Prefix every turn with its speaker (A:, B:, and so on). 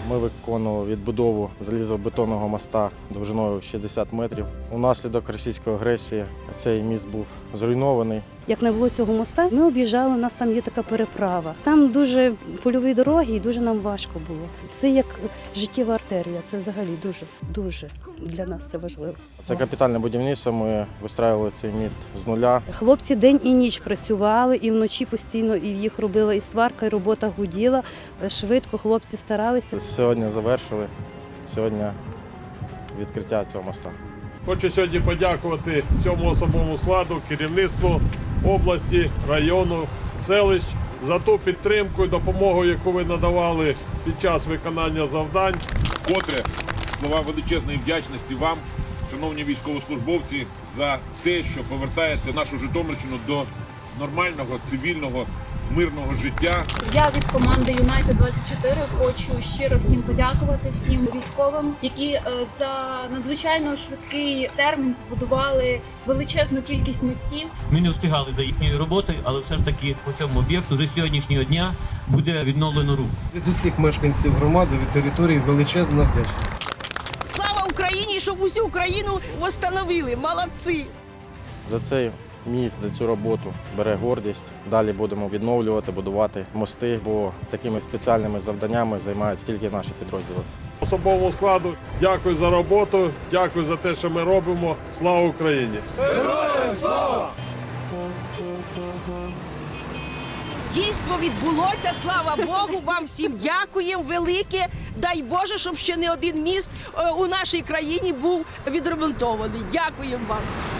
A: Ми виконували відбудову залізобетонного моста довжиною 60 метрів. Унаслідок російської агресії цей міст був зруйнований.
B: Як не було цього моста, ми об'їжджали, у нас там є така переправа. Там дуже польові дороги і дуже нам важко було. Це як життєва артерія, це взагалі дуже для нас це важливо.
A: Це капітальне будівництво, ми вистраювали цей міст з нуля.
B: Хлопці день і ніч працювали, і вночі постійно і їх робила і сварка, і робота гуділа. Швидко хлопці старалися.
A: Сьогодні завершили, сьогодні відкриття цього моста.
C: Хочу сьогодні подякувати цьому особовому складу, керівництву області, району, селищ за ту підтримку і допомогу, яку ви надавали під час виконання завдань.
D: Вкотре слова величезної вдячності вам, шановні військовослужбовці, за те, що повертаєте нашу Житомирщину до нормального, цивільного, мирного життя.
E: Я від команди Юнайтед 24 хочу щиро всім подякувати, всім військовим, які за надзвичайно швидкий термін побудували величезну кількість мостів.
F: Ми не встигали за їхньою роботою, але все ж таки по цьому об'єкту вже з сьогоднішнього дня буде відновлено рух.
G: Від усіх мешканців громади, від території величезна вдячність.
H: Слава Україні, щоб усю Україну встановили. Молодці!
A: За цей міст, за цю роботу бере гордість. Далі будемо відновлювати, будувати мости, бо такими спеціальними завданнями займаються тільки наші підрозділи.
C: Особовому складу дякую за роботу, дякую за те, що ми робимо. Слава Україні! Героям слава!
H: Дійство відбулося, слава Богу, вам всім дякуємо велике. Дай Боже, щоб ще не один міст у нашій країні був відремонтований. Дякуємо вам.